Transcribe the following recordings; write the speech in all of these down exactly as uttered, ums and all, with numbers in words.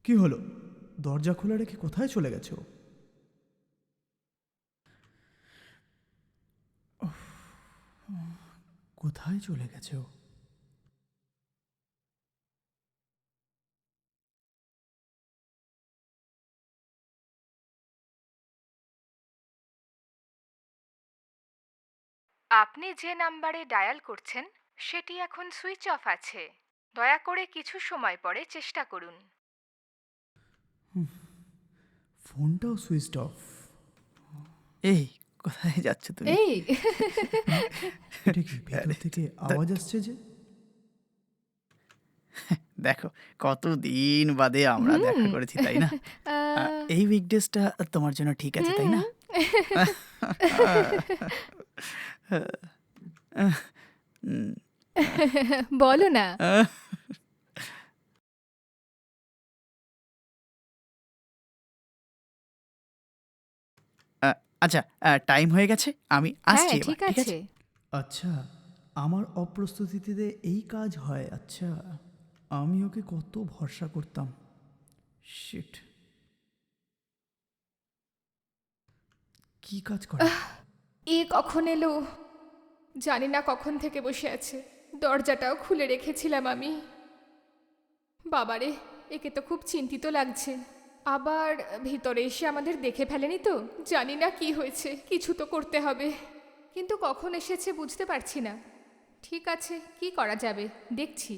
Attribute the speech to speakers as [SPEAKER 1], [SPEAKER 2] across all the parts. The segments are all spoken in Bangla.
[SPEAKER 1] কি হলো? দরজা খোলা রেখে কোথায় চলে গেছে ও? উফ, কোথায় চলে গেছে ও?
[SPEAKER 2] আপনি যে নাম্বারে ডায়াল করছেন সেটি এখন সুইচ অফ আছে। দয়া করে কিছু সময় পরে চেষ্টা করুন।
[SPEAKER 1] ফোনটাও সুইচ অফ। এই, কোথায় যাচ্ছ তুমি?
[SPEAKER 2] এই
[SPEAKER 1] এটা কি ভেতর
[SPEAKER 3] আরে,
[SPEAKER 1] থেকে
[SPEAKER 3] তা-
[SPEAKER 1] আওয়াজ আসছে যে?
[SPEAKER 3] দেখো কতদিন বাদে আমরা
[SPEAKER 2] হুম
[SPEAKER 3] দেখা করেছি, তাই না? আ,
[SPEAKER 2] আহ,
[SPEAKER 3] এই উইকডেজটা তোমার জন্য ঠিক আছে, তাই না? উম,
[SPEAKER 2] বলো না।
[SPEAKER 3] আহ, আ, আচ্ছা, টাইম হয়ে গেছে, আমি
[SPEAKER 2] হ্যাঁ
[SPEAKER 3] আসছি এবার,
[SPEAKER 2] ঠিক
[SPEAKER 3] ঠিক
[SPEAKER 2] আছে।
[SPEAKER 3] আছে?
[SPEAKER 1] আচ্ছা, আমার অপ্রস্তুতিতে এই কাজ হয়? আচ্ছা, আমি ওকে কত ভরসা করতাম। শিট, কি কাজ করে?
[SPEAKER 2] এ কখন এলো? জানি না কখন থেকে বসে আছে। দরজাটাও খুলে রেখেছিলাম আমি। বাবারে, একে তো খুব চিন্তিত লাগছে। আবার ভিতরে এসে আমাদের দেখে ফেলেনি তো? জানি না কি হয়েছে, কিছু তো করতে হবে। কিন্তু কখন এসেছে বুঝতে পারছি না। ঠিক আছে, কি করা যাবে দেখছি।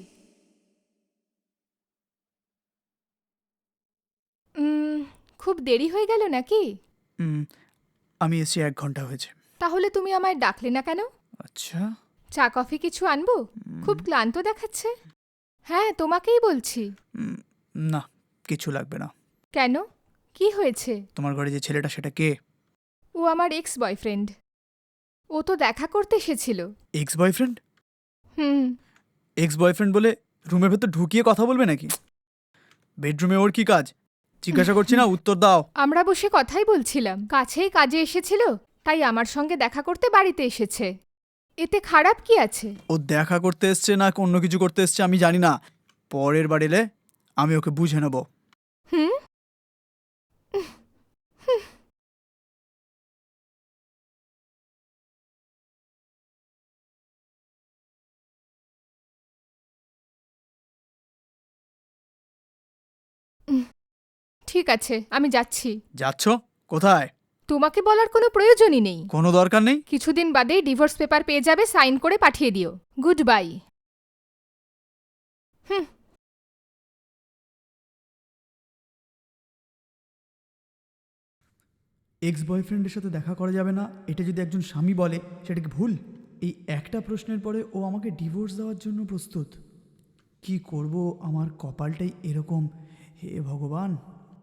[SPEAKER 2] উম, খুব দেরি হয়ে গেল নাকি?
[SPEAKER 3] উম, আমি এসছি এক ঘন্টা হয়েছে।
[SPEAKER 2] তাহলে তুমি আমায় ডাকলে না কেন?
[SPEAKER 3] আচ্ছা,
[SPEAKER 2] চা কফি কিছু আনবো? খুব ক্লান্ত দেখাচ্ছে। হ্যাঁ, তোমাকেই বলছি।
[SPEAKER 3] উম, না, কিছু লাগবে না।
[SPEAKER 2] কেন? কি হয়েছে?
[SPEAKER 3] তোমার ঘরে যে ছেলেটা, সেটা কে?
[SPEAKER 2] ও আমার এক্স বয়ফ্রেন্ড। ও তো দেখা করতে এসেছিল।
[SPEAKER 3] Ex boyfriend?
[SPEAKER 2] হুম।
[SPEAKER 3] এক্স বয়ফ্রেন্ড বলে রুমের ভেতর ঢুকিয়ে কথা বলবে নাকি? বেডরুমে ওর কি কাজ? জিজ্ঞাসা করছি না, উত্তর দাও।
[SPEAKER 2] আমরা বসে কথাই বলছিলাম, কাছেই কাজে এসেছিল, তাই আমার সঙ্গে দেখা করতে বাড়িতে এসেছে। এতে খারাপ কি আছে?
[SPEAKER 3] ও দেখা করতে এসছে না অন্য কিছু করতে এসছে আমি জানি না। পরের বার এলে আমি ওকে বুঝে নেব।
[SPEAKER 2] হুম। ঠিক আছে, আমি যাচ্ছি।
[SPEAKER 3] যাচ্ছ? কোথায়?
[SPEAKER 2] তোমাকে বলার কোনো প্রয়োজনই নেই।
[SPEAKER 3] কোনো দরকার নেই।
[SPEAKER 2] কিছুদিন বাদেই ডিভোর্স পেপার পেয়ে যাবে, সাইন করে পাঠিয়ে দিও। Good bye. হুম।
[SPEAKER 1] এক্স বয়ফ্রেন্ডের সাথে দেখা করা যাবে না, এটা যদি একজন স্বামী বলে সেটা কি ভুল? এই একটা প্রশ্নের পরে ও আমাকে ডিভোর্স দেওয়ার জন্য প্রস্তুত। কি করব, আমার কপালটাই এরকম। হে ভগবান!